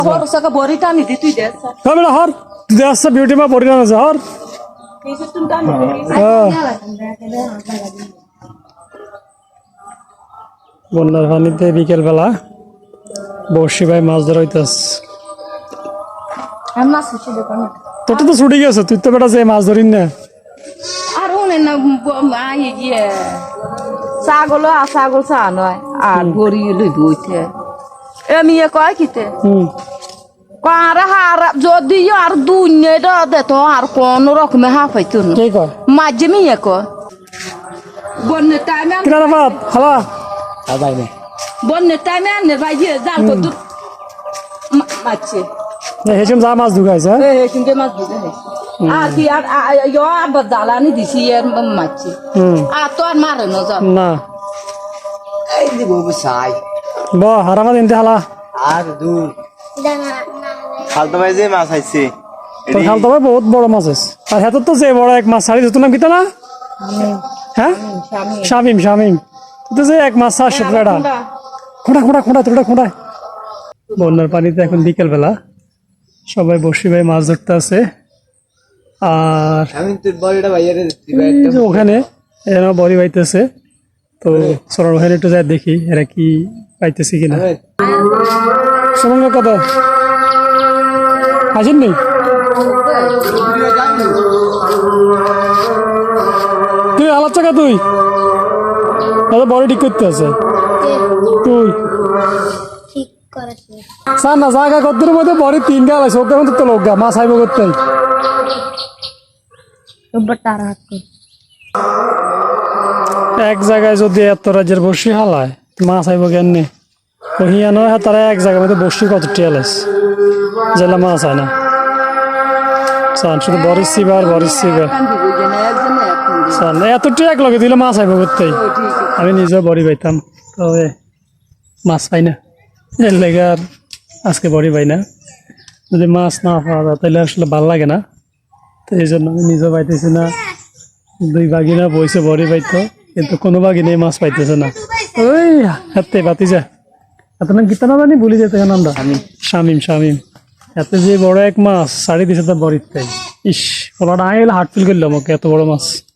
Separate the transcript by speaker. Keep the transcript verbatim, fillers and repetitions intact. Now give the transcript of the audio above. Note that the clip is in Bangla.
Speaker 1: হর সকা বড়ি টানি দি তুই দেছ
Speaker 2: হ্যাঁ বেটা হর তুই আসছে বিউটি মা পরিণাম আছে হর
Speaker 1: এই সিস্টেম টানি
Speaker 2: বন্যার পানিতে বিকেল বেলা বর্ষি ভাই মাছ ধরা হইতাস
Speaker 1: আমরা সুচি দেখো না
Speaker 2: তোর তো ছুটি গেছে তুই তো বেটা যে মাছ ধরিন না
Speaker 1: আর ওনে না আই গিয়ে ছাগল আর ছাগল চা নয় আর বড়ি লই দুইতে এমি কয় কিতে
Speaker 2: হুম
Speaker 1: আর হার যদি আর দুনিয়াটা দে তো আর কোন রকমে হাফাইতো না
Speaker 2: কে কয়
Speaker 1: মাঝে মিয়ে কয় বন্যে টাইমে
Speaker 2: কিনারা বাদ হালা
Speaker 3: আদাই না
Speaker 1: বন্যে টাইমে আনে ভাই যে জাল কত মাছে
Speaker 2: হেসম যা মাছ ঢুকাইছে
Speaker 1: এ কিন্তু মাছ দিতে আর কি আর ইয়ো আবার জ্বালানি দিছি এর মাছে
Speaker 2: হুম
Speaker 1: আর তো আর মারে না জাল
Speaker 2: না
Speaker 3: এই দিব বসাই
Speaker 2: ব হারামা দিনতে হালা
Speaker 3: আর দূর খালতো ভাই যে মাছ আইছে
Speaker 2: তোর খালতো ভাই বহুত বড় মাছ আছে আর হাতে তো যে বড় এক মাছ ছাড়ি তোর নাম কিতা না হ্যাঁ শামিম শামিম তুই তো যে এক মাছ ছাড় সেটা খোঁড়া খোঁড়া খোঁড়া তোটা খোঁড়া বন্যার পানিতে এখন বিকেল বেলা সবাই বসি ভাই মাছ ধরতে আছে আর
Speaker 3: আমি তোর বড়টা ভাইয়ারে
Speaker 2: এই যে ওখানে এরা বড়ি পাইতেছে তো সরার ওখানে একটু যাই দেখি এরা কি পাইতেছে কিনা সরঙ্গ কথা আসেন নেই তুই আলাপ চাকা তুই দাদা বড়ি ঠিক করতে আছে তুই
Speaker 4: ঠিক করেছি
Speaker 2: স্যার না জায়গা কদ্দুর মধ্যে বড়ি তিন গাল আছে ওকে তো লোক গা মাছ আইব করতে
Speaker 4: রোববার তার হাত কর
Speaker 2: এক জায়গায় যদি এত রাজ্যের বসি হালায় মাছ আইব কেন ওহিয়া নয় তারা এক জায়গার মধ্যে বসি কত টিয়াল আছে জেলা মাছ হয় না সান শুধু বরিস সিবার বরিস সিবার সান এত টিয়াক লগে দিলে মাছ আইব করতেই আমি নিজেও বড়ি পাইতাম তবে মাছ পাই না এর লেগে আর আজকে বড়ি পাই না যদি মাছ না পাওয়া যায় তাহলে আসলে ভাল লাগে না তো এই জন্য আমি নিজেও পাইতেছি না দুই বাগিনা বইছে বড়ি পাইতো কিন্তু কোনো বাগিনে মাছ পাইতেছে না ওই হাতে বাতি যা এত নাম গীতা না জানি বলি যেতে নামটা শামিম শামিম এত যে বড় এক মাছ সাড়ে দিছে তার বড়ির তাই ইস ওরা আইলে হাট ফিল করলাম ওকে এত বড় মাছ